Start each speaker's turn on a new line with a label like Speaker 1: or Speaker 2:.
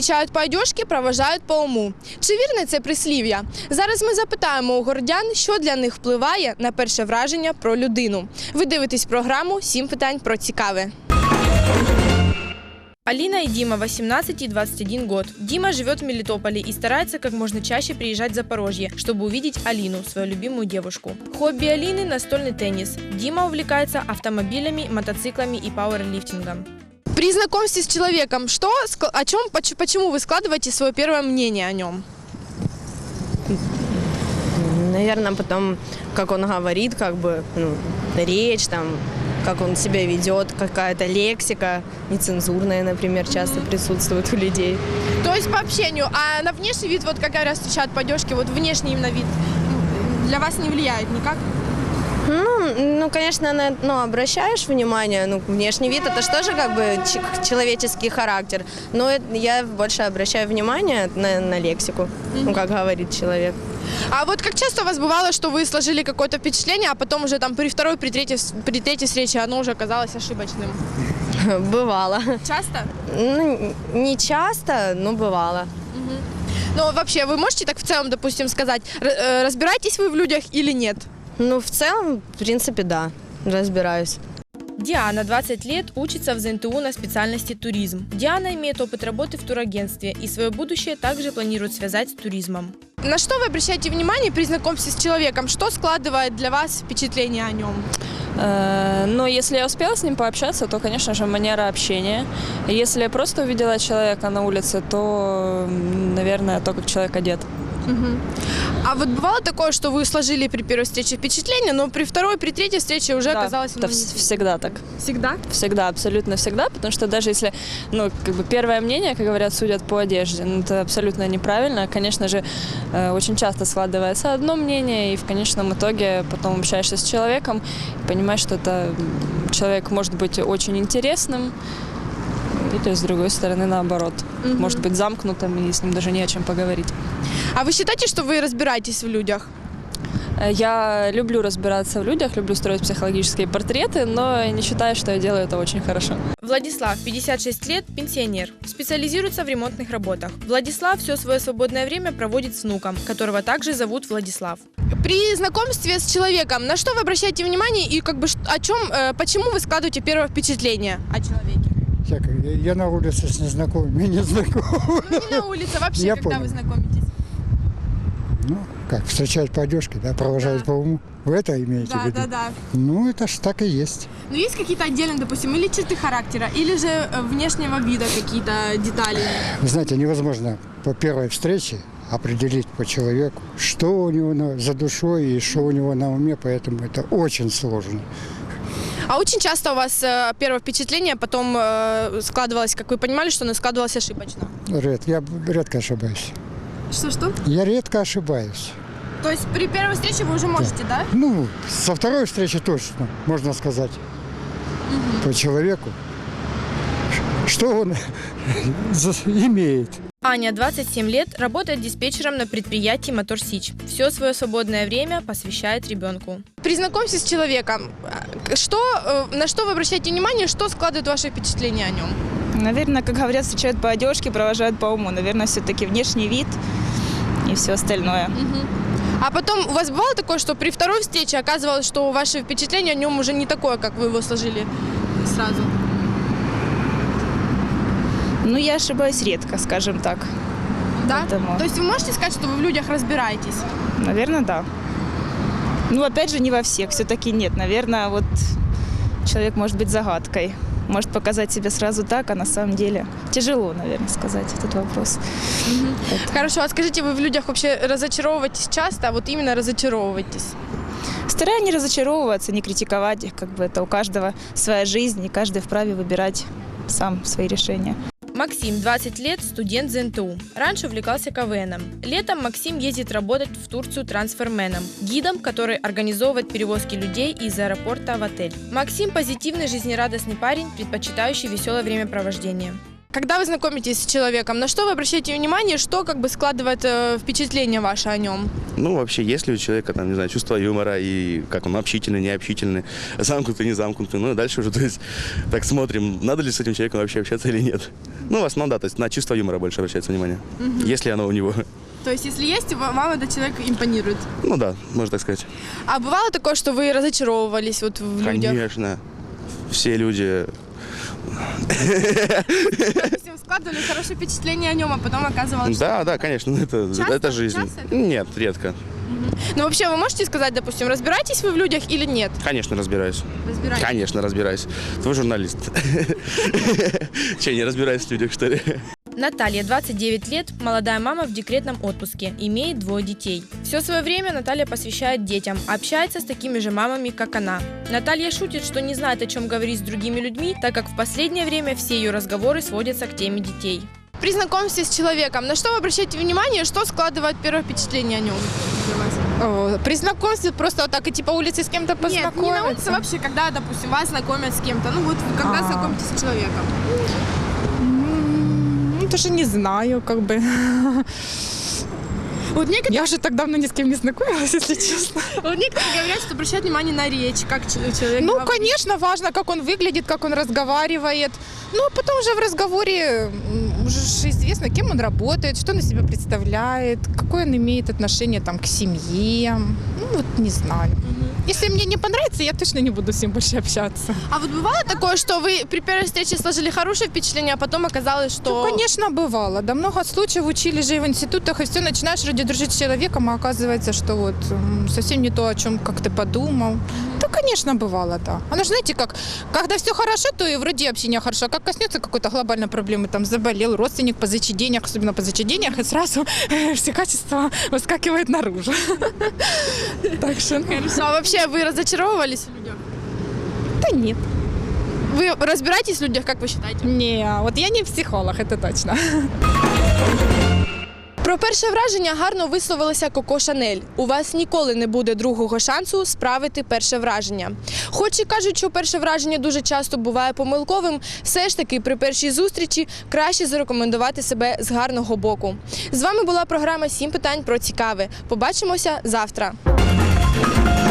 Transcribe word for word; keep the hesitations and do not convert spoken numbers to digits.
Speaker 1: Зустрічають по одежці, проважають по уму. Чи вірне це прислів'я? Зараз ми запитаємо у городян, що для них впливає на перше враження про людину. Ви дивитесь програму «Сім питань про цікаве». Алина и Дима, восемнадцать и двадцать один год. Дима живет в Мелитополе и старается как можно чаще приезжать в Запорожье, чтобы увидеть Алину, свою любимую девушку. Хобби Алины – настольный теннис. Дима увлекается автомобилями, мотоциклами и пауэрлифтингом. При знакомстве с человеком, что, о чем, почему вы складываете свое первое мнение о нем?
Speaker 2: Наверное, потом, как он говорит, как бы, ну, речь, там, как он себя ведет, какая-то лексика нецензурная, например, часто присутствует у людей.
Speaker 1: То есть по общению, а на внешний вид, вот как говорят, встречают по одежке, вот внешний именно вид для вас не влияет никак?
Speaker 2: Ну, ну, конечно, на, ну, обращаешь внимание, ну, внешний вид, это же тоже как бы человеческий характер, но я больше обращаю внимание на, на лексику, mm-hmm. ну, как говорит человек.
Speaker 1: А вот как часто у вас бывало, что вы сложили какое-то впечатление, а потом уже там при второй, при третьей, при третьей встрече оно уже оказалось ошибочным?
Speaker 2: Бывало.
Speaker 1: Часто?
Speaker 2: Ну, не часто, но бывало.
Speaker 1: Угу. Но вообще, вы можете так в целом, допустим, сказать, разбираетесь вы в людях или нет?
Speaker 2: Ну, в целом, в принципе, да, разбираюсь.
Speaker 1: Диана, двадцать лет, учится в зэ эн тэ у на специальности туризм. Диана имеет опыт работы в турагентстве и свое будущее также планирует связать с туризмом. На что вы обращаете внимание при знакомстве с человеком? Что складывает для вас впечатление о нем?
Speaker 3: Но если я успела с ним пообщаться, то, конечно же, манера общения. Если я просто увидела человека на улице, то, наверное, то, как человек одет.
Speaker 1: Угу. А вот бывало такое, что вы сложили при первой встрече впечатление, но при второй, при третьей встрече уже
Speaker 3: да,
Speaker 1: оказалось...
Speaker 3: это всегда так.
Speaker 1: Всегда?
Speaker 3: Всегда, абсолютно всегда, потому что даже если, ну, как бы первое мнение, как говорят, судят по одежде, ну, это абсолютно неправильно. Конечно же, очень часто складывается одно мнение, и в конечном итоге потом общаешься с человеком и понимаешь, что это человек может быть очень интересным, или, с другой стороны, наоборот. Угу. Может быть замкнутым, и с ним даже не о чем поговорить.
Speaker 1: А вы считаете, что вы разбираетесь в людях?
Speaker 3: Я люблю разбираться в людях, люблю строить психологические портреты, но не считаю, что я делаю это очень хорошо.
Speaker 1: Владислав, пятьдесят шесть лет, пенсионер. Специализируется в ремонтных работах. Владислав все свое свободное время проводит с внуком, которого также зовут Владислав. При знакомстве с человеком, на что вы обращаете внимание и как бы о чем, почему вы складываете первое впечатление о человеке?
Speaker 4: Я, я на улице с незнакомыми, не знакомы.
Speaker 1: Ну, не на улице, вообще,
Speaker 4: я
Speaker 1: когда
Speaker 4: понял.
Speaker 1: вы знакомитесь?
Speaker 4: Ну, как, встречают по одежке, да, провожают да. по уму. Вы это имеете
Speaker 1: да,
Speaker 4: в виду?
Speaker 1: Да, да, да.
Speaker 4: Ну, это ж так и есть.
Speaker 1: Но есть какие-то отдельные, допустим, или черты характера, или же внешнего вида какие-то детали?
Speaker 4: Вы знаете, невозможно по первой встрече определить по человеку, что у него на, за душой и что у него на уме, поэтому это очень сложно.
Speaker 1: А очень часто у вас э, первое впечатление потом э, складывалось, как вы понимали, что оно складывалось ошибочно?
Speaker 4: Редко, я редко ошибаюсь.
Speaker 1: Что-что?
Speaker 4: Я редко ошибаюсь.
Speaker 1: То есть при первой встрече вы уже можете, да? да?
Speaker 4: Ну, со второй встречи точно, можно сказать, угу. по человеку, что он имеет.
Speaker 1: Аня, двадцать семь лет, работает диспетчером на предприятии «Мотор Сич». Все свое свободное время посвящает ребенку. При знакомстве с человеком, что, на что вы обращаете внимание, что складывает ваше впечатление о нем?
Speaker 5: Наверное, как говорят, встречают по одежке, провожают по уму. Наверное, все-таки внешний вид и все остальное.
Speaker 1: Угу. А потом у вас бывало такое, что при второй встрече оказывалось, что ваше впечатление о нем уже не такое, как вы его сложили сразу?
Speaker 5: Ну, я ошибаюсь редко, скажем так.
Speaker 1: Да?
Speaker 5: Поэтому...
Speaker 1: То есть вы можете сказать, что вы в людях разбираетесь?
Speaker 5: Наверное, да. Ну, опять же, не во всех. Все-таки нет. Наверное, вот человек может быть загадкой. Может показать себя сразу так, а на самом деле тяжело, наверное, сказать этот вопрос.
Speaker 1: Угу. Хорошо, а скажите, вы в людях вообще разочаровываетесь часто, а вот именно разочаровываетесь?
Speaker 5: Стараюсь не разочаровываться, не критиковать их. Как бы это у каждого своя жизнь, и каждый вправе выбирать сам свои решения.
Speaker 1: Максим, двадцать лет, студент зэ эн тэ у. Раньше увлекался ка вэ эном. Летом Максим ездит работать в Турцию трансферменом, гидом, который организовывает перевозки людей из аэропорта в отель. Максим – позитивный, жизнерадостный парень, предпочитающий веселое времяпровождение. Когда вы знакомитесь с человеком, на что вы обращаете внимание, что как бы складывает э, впечатление ваше о нем?
Speaker 6: Ну, вообще, есть ли у человека, там, не знаю, чувство юмора и как он общительный, необщительный, замкнутый, не замкнутый. Ну, и дальше уже, то есть, так смотрим, надо ли с этим человеком вообще общаться или нет. Ну, в основном, да, то есть на чувство юмора больше обращается внимание, угу. Если оно у него.
Speaker 1: То есть, если есть, вам этот человек импонирует?
Speaker 6: Ну да, можно так сказать.
Speaker 1: А бывало такое, что вы разочаровывались вот в людях?
Speaker 6: Конечно. Все люди...
Speaker 1: Допустим, складывали хорошее впечатление о нем, а потом оказывалось,
Speaker 6: Да,
Speaker 1: что...
Speaker 6: да, конечно, это, это жизнь.
Speaker 1: Часто это?
Speaker 6: Нет, редко.
Speaker 1: Угу. Ну, вообще, вы можете сказать, допустим, разбираетесь вы в людях или нет?
Speaker 6: Конечно, разбираюсь.
Speaker 1: Разбираетесь?
Speaker 6: Конечно, разбираюсь. Твой журналист. Че, не разбираюсь в людях, что ли?
Speaker 1: Наталья, двадцать девять лет, молодая мама в декретном отпуске, имеет двое детей. Все свое время Наталья посвящает детям, общается с такими же мамами, как она. Наталья шутит, что не знает, о чем говорить с другими людьми, так как в последнее время все ее разговоры сводятся к теме детей. При знакомстве с человеком, на что вы обращаете внимание, что складывает первое впечатление о нем?
Speaker 7: О, при знакомстве просто вот так идти по улице с кем-то познакомиться?
Speaker 1: Нет, не на улице, вообще, когда, допустим, вас знакомят с кем-то, ну вот вы когда
Speaker 7: А.
Speaker 1: знакомитесь с человеком.
Speaker 7: Ну, даже не знаю, как бы.
Speaker 1: Вот некоторые,
Speaker 7: Я уже так давно ни с кем не знакомилась, если честно.
Speaker 1: вот некоторые говорят, что обращают внимание на речь, как человек
Speaker 7: Ну,
Speaker 1: говорит.
Speaker 7: конечно, важно, как он выглядит, как он разговаривает. Ну, а потом уже в разговоре м, уже ж известно, кем он работает, что он из себя представляет, какое он имеет отношение там к семье. Ну, вот не знаю. Если мне не понравится, я точно не буду с ним больше общаться.
Speaker 1: А вот бывало такое, что вы при первой встрече сложили хорошее впечатление, а потом оказалось, что...
Speaker 7: Ну, конечно, бывало. Да много случаев учили же и в институтах, и все, начинаешь вроде дружить с человеком, а оказывается, что вот м, совсем не то, о чем как ты подумал. Да, конечно, бывало, да. Оно же, знаете, как, когда все хорошо, то и вроде общение хорошо, а как коснется какой-то глобальной проблемы, там заболел родственник, позычи денег, особенно позычи денег, и сразу все качества выскакивают наружу. Так что, ну,
Speaker 1: Хорошо. А вообще вы разочаровывались в людях?
Speaker 7: да нет.
Speaker 1: Вы разбираетесь в людях, как вы считаете?
Speaker 7: Не, вот я не психолог, это точно.
Speaker 1: Про перше враження гарно висловилася Коко Шанель. У вас ніколи не буде другого шансу справити перше враження. Хоч і кажуть, що перше враження дуже часто буває помилковим, все ж таки при першій зустрічі краще зарекомендувати себе з гарного боку. З вами була програма «Сім питань про цікаве». Побачимося завтра.